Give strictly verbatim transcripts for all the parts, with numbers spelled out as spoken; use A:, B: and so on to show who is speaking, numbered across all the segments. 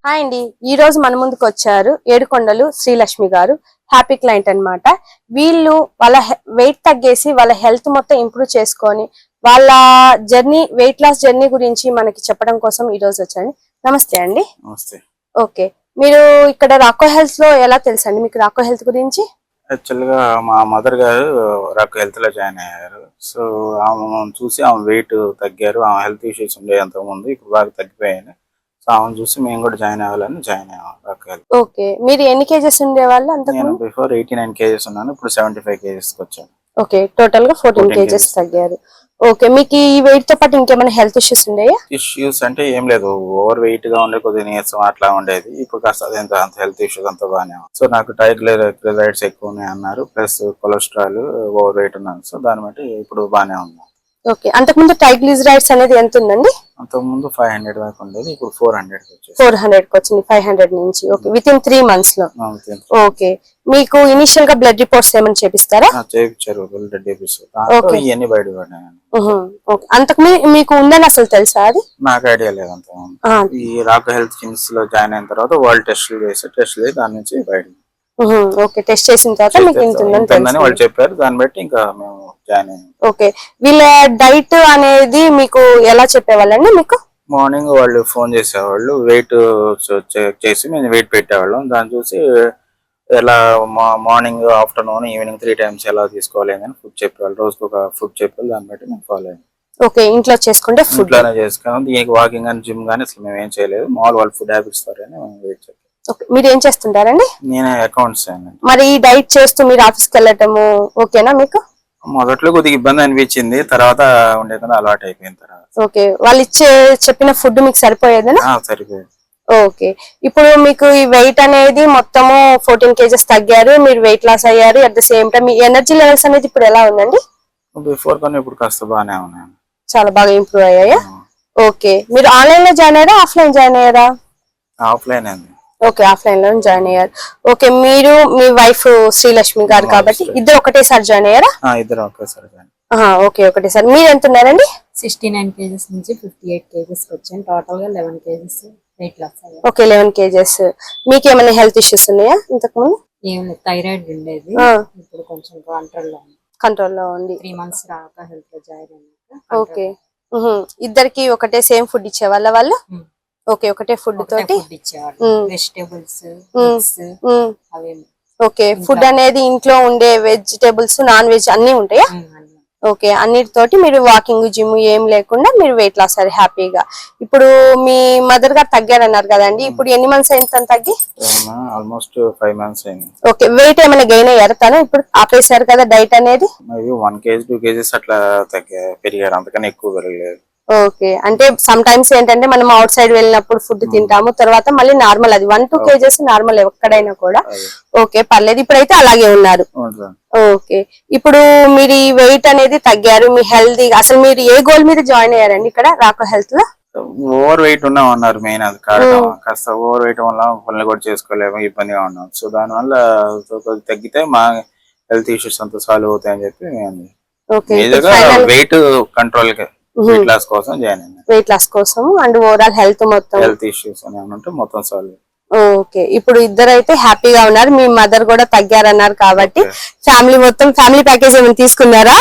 A: Hi అండి, ఈ రోజు మన ముందుకు వచ్చారు ఏడుకొండలు శ్రీలక్ష్మి గారు. హ్యాపీ క్లయింట్ అన్నమాట. వీళ్ళు వాళ్ళ వెయిట్ తగ్గేసి వాళ్ళ హెల్త్ మొత్తం ఇంప్రూవ్ చేసుకొని వాళ్ళ జర్నీ, వెయిట్ లాస్ జర్నీ గురించి మనకి చెప్పడం కోసం ఈ రోజు వచ్చాను. నమస్తే అండి.
B: నమస్తే.
A: ఓకే, మీరు ఇక్కడ రాకో హెల్త్ లో ఎలా తెలుసు అండి మీకు రాకో హెల్త్ గురించి?
B: యాక్చువల్ గా మా మదర్ గారు రాకో హెల్త్ లో జాయిన్ అయ్యారు. సో ఆమె చూసి ఆమె వెయిట్ తగ్గారు. ఆమె హెల్త్ ఇష్యూస్ ఉండే అంతకు ముందు, ఇప్పుడు బాగా తగ్గిపోయాయి. సో ఆమెను చూసి మేము కూడా జాయిన్ అవ్వాలని జాయిన్ అయ్యాము రాకో హెల్త్.
A: ఓకే, మీరు ఎన్ని కేజెస్ ఉండేవాళ్ళు అంతకు?
B: నేను బిఫోర్ ఎయిటీ నైన్ కేజెస్ ఉన్నాను, ఇప్పుడు సెవెంటీ ఫైవ్ కేజెస్ వచ్చాను.
A: ఓకే, టోటల్ గా ఫోర్టీన్ కేజెస్ తగ్గారు. ఓకే, మీకు ఈ వెయిట్ తో పాటు ఇంకేమైనా హెల్త్ ఇష్యూస్ ఉన్నాయా?
B: ఇష్యూస్ అంటే ఏం లేదు, ఓవర్ వెయిట్ గా ఉండే కొద్దిగా నీరసం అట్లా ఉండేది. ఇప్పుడు కాస్త అదేంత అంత హెల్త్ ఇష్యూస్ అంతా బాగానే ఉంది. సో నాకు ట్రైగ్లిసరైడ్స్ ఎక్కువ ఉన్నాయి అన్నారు, ప్లస్ కొలెస్ట్రాల్, ఓవర్ వెయిట్ ఉన్నాను. సో దాన్ని బట్టి ఇప్పుడు బాగానే ఉంది.
A: ఓకే, అంతకుముందు ట్రైగ్లిసరైడ్స్ అనేది ఎంత ఉందండి?
B: అంతకు ముందు ఫైవ్ హండ్రెడ్ దాకా ఉండేది, ఇప్పుడు ఫోర్ హండ్రెడ్
A: ఫోర్ హండ్రెడ్ కి వచ్చింది, ఫైవ్ హండ్రెడ్ నుంచి. Okay, with in three months లో. ఓకే, మీకు ఇనిషియల్ గా బ్లడ్ రిపోర్ట్స్ ఏమైనా చేపిస్తారా?
B: చేయించారు, బ్లడ్ ఇవన్నీ బయట పడ్డాయి.
A: అంతకు మీకు ఉందని అసలు తెలుసా? అది
B: నాకు ఐడియా లేదు. అంత ఈ రాకో హెల్త్ కిమ్స్ లో జాయిన్ అయిన తర్వాత వాళ్ళు టెస్టులు చేసి టెస్టులు దాని నుంచి బయట.
A: ఓకే, టెస్ట్ చేసిన తర్వాత మీకు ఇంత ఉందని
B: వాళ్ళు చెప్పారు, దాన్ని బట్టి ఇంకా మేము జాయిన్ అయ్యాం.
A: ఓకే, వీళ్ళ డైట్ అనేది మీకు ఎలా చెప్పేవాళ్ళండి? మీకు
B: మార్నింగ్ వాళ్ళు ఫోన్ చేసేవాళ్ళు, వెయిట్ చెక్ చేసి మేము వెయిట్ పెట్టేవాళ్ళం. దాన్ని చూసి ఎలా morning, afternoon, evening three times ఎలా తీసుకోవాలి అని ఫుడ్ చెప్పేవాళ్ళు. రోజుకు ఒక ఫుడ్ చెప్పాలి, దాన్ని బట్టి మేము ఫాలో అయ్యాం.
A: ఓకే, ఇంట్లో చేసుకుంటే ఫుడ్
B: ఇంట్లోనే చేసుకున్నాం. దీనికి వాకింగ్ అని జిమ్ కానీ అసలు మేము ఏం చేయలేదు. మామూలు వాళ్ళు ఫుడ్ హ్యాబిట్స్ ద్వారా వెయిట్ చెప్పాలి.
A: మీరు ఏం చేస్తుంటారండి?
B: నేను అకౌంట్స్.
A: మరి ఈ డైట్ చేస్తూ మీరు ఆఫీస్కి వెళ్ళటము ఓకేనా మీకు?
B: మొదట్లో కొద్దిగా ఇబ్బంది అనిపించింది, తర్వాత ఉండే కదా అలవాటు అయిపోయిన తర్వాత.
A: ఓకే, వాళ్ళు ఇచ్చే చెప్పిన ఫుడ్ మీకు సరిపోయేదేనా?
B: సరిపోయేది.
A: ఓకే, ఇప్పుడు మీకు ఈ వెయిట్ అనేది మొత్తము ఫోర్టీన్ కేజెస్ తగ్గారు, మీరు వెయిట్ లాస్ అయ్యారు. అట్ ద సేమ్ టైం మీ ఎనర్జీ లెవెల్స్ అనేది ఇప్పుడు ఎలా ఉందండి?
B: బిఫోర్ కన్నా ఇప్పుడు కాస్త బాగానే ఉన్నాయి,
A: చాలా బాగా ఇంప్రూవ్ అయ్యాయా? ఓకే, మీరు ఆన్లైన్ లో జాయిన్ అయ్యారా, ఆఫ్లైన్ జాయిన్ అయ్యారా?
B: ఆఫ్లైన్ అండి.
A: ఓకే, ఆఫ్లైన్ లో జాయిన్ అయ్యారు. ఓకే, మీరు మీ వైఫ్ శ్రీలక్ష్మి గారు కాబట్టి ఇద్దరు ఒకటేసారి జాయిన్ అయ్యారా?
B: ఇద్దరు ఒకేసారి జాయిన్.
A: ఓకే, ఒకటేసారి. మీరు ఎంత ఉన్నారండి?
C: సిక్స్టీ నైన్ కేజెస్ నుంచి ఫిఫ్టీ ఎయిట్ కేజెస్ వచ్చాను. టోటల్ గా లెవెన్ కేజెస్ వెయిట్ లాస్ అయ్యాను.
A: Okay, eleven kgs. మీకు ఏమైనా హెల్త్ ఇష్యూస్ ఉన్నాయా ఇంతకు ముందు?
C: ఏం లేదు, థైరాయిడ్ ఉండేది, ఇప్పుడు కొంచెం కంట్రోల్ లో ఉంది.
A: కంట్రోల్ లో ఉంది.
C: త్రీ మంత్స్ రాక హెల్త్ లో జాయిన్ అయ్యాక.
A: ఓకే, ఇద్దరికి ఒకటే సేమ్ ఫుడ్ ఇచ్చేవాళ్ళ వాళ్ళు? ఓకే, ఒకటే ఫుడ్ తోటి
C: ఇచ్చేవాళ్ళు, వెజిటేబుల్స్ అవి.
A: ఓకే, ఫుడ్ అనేది ఇంట్లో ఉండే వెజిటేబుల్స్, నాన్ వెజ్ అన్ని ఉంటాయా? ఓకే, అన్నిటితోటి మీరు వాకింగ్, జిమ్ ఏం లేకుండా మీరు వెయిట్ లాస్ అయ్యారు హ్యాపీగా. ఇప్పుడు మీ మదర్ గారు తగ్గారన్నారు కదండి, ఇప్పుడు ఎన్ని మంత్స్ అయింది తను తగ్గి?
B: ఆల్మోస్ట్ ఫైవ్ మంత్స్ అయింది.
A: ఓకే, వెయిట్ ఏమైనా గెయిన్ అయ్యారు తను? ఇప్పుడు ఆపేశారు కదా డైట్ అనేది?
B: వన్ కేజీ టూ కేజీస్ అట్లా పెరిగారు, అంతకన్నా ఎక్కువ పెరగలేదు.
A: ఓకే, అంటే సమ్ టైమ్స్ ఏంటంటే మనం అవుట్ సైడ్ వెళ్ళినప్పుడు ఫుడ్ తింటాము, తర్వాత మళ్ళీ నార్మల్, అది వన్ టూ కేజెస్ నార్మల్ ఎక్కడైనా కూడా. ఓకే, పర్లేదు, ఇప్పుడైతే అలాగే ఉన్నారు. ఓకే, ఇప్పుడు మీరు ఈ వెయిట్ అనేది తగ్గారు, మీ హెల్తీ, అసలు మీరు ఏ గోల్ మీద జాయిన్ అయ్యారండి ఇక్కడ రాకో హెల్త్ లో?
B: ఓవర్ వెయిట్ ఉన్నాం అన్నారు మెయిన్, అది కారణం. కాస్త ఓవర్ వెయిట్ వల్ల పనులు కూడా చేసుకోలేము, ఇబ్బందిగా ఉన్నాం. సో దాని వల్ల తగ్గితే మా హెల్త్ ఇష్యూస్ అంతా సాల్వ్ అవుతాయని చెప్పి వెయిట్ కంట్రోల్ వెయిట్ లాస్ కోసం జాయిన్ అయ్యాను.
A: వెయిట్ లాస్ కోసం అండ్ ఓవరాల్ హెల్త్ మొత్తం
B: హెల్త్ ఇష్యూస్ అని ఉంటే మొత్తం సాల్వ్.
A: ఓకే, ఇప్పుడు ఇద్దరు అయితే హ్యాపీగా ఉన్నారు. మీ మదర్ కూడా తగ్గారన్నారు కాబట్టి ఫ్యామిలీ మొత్తం ఫ్యామిలీ ప్యాకేజ్ ఏమైనా తీసుకున్నారా?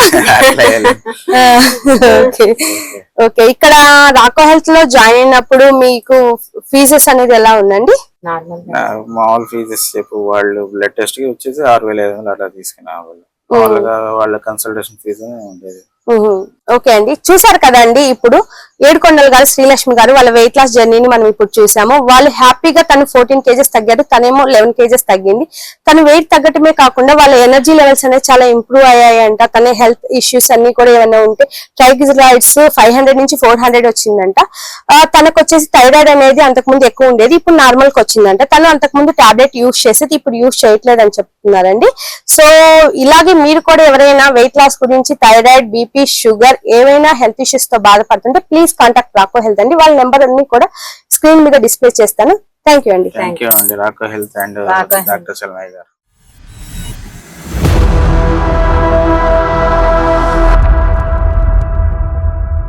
A: ఓకే ఓకే, ఇక్కడ రాకో హెల్త్ లో జాయిన్ అయినప్పుడు మీకు ఫీజెస్ అనేది ఎలా ఉందండి?
B: మామూలు ఫీజెస్ చెప్పు, వాళ్ళు బ్లడ్ టెస్ట్ కి వచ్చేసి ఆరు వేల ఐదు వందలు అట్లా తీసుకున్నా. వాళ్ళు మామూలుగా వాళ్ళ కన్సల్టేషన్ ఫీజు ఉండేది.
A: ఓకే అండి, చూసారు కదండి. ఇప్పుడు ఏడుకొండలు గారు శ్రీలక్ష్మి గారు వాళ్ళ వెయిట్ లాస్ జర్నీని మనం ఇప్పుడు చూసాము. వాళ్ళు హ్యాపీగా తను ఫోర్టీన్ కేజెస్ తగ్గారు, తనేమో లెవెన్ కేజెస్ తగ్గింది. తను వెయిట్ తగ్గటమే కాకుండా వాళ్ళ ఎనర్జీ లెవెల్స్ అనేది చాలా ఇంప్రూవ్ అయ్యాయంట. తన హెల్త్ ఇష్యూస్ అన్ని కూడా ఏమైనా ఉంటే ట్రైగ్లిసరైడ్స్ ఫైవ్ హండ్రెడ్ నుంచి ఫోర్ హండ్రెడ్ వచ్చిందంట. తనకు వచ్చేసి థైరాయిడ్ అనేది అంతకుముందు ఎక్కువ ఉండేది, ఇప్పుడు నార్మల్ కి వచ్చిందంట. తను అంతకుముందు టాబ్లెట్ యూజ్ చేసేది, ఇప్పుడు యూజ్ చేయట్లేదు అని చెప్తున్నారండి. సో ఇలాగే మీరు కూడా ఎవరైనా వెయిట్ లాస్ గురించి, థైరాయిడ్, బీపీ, షుగర్, ఏమైనా హెల్త్ ఇష్యూస్ తో బాధపడుతుంటే ప్లీజ్ కాంటాక్ట్ రాకో హెల్త్ అండి. వాళ్ళ నెంబర్ అన్ని కూడా స్క్రీన్ మీద డిస్ప్లే చేస్తాను. థ్యాంక్ యూ అండి.
B: థ్యాంక్ యూ అండి. Raco health and doctor Salmai గారు.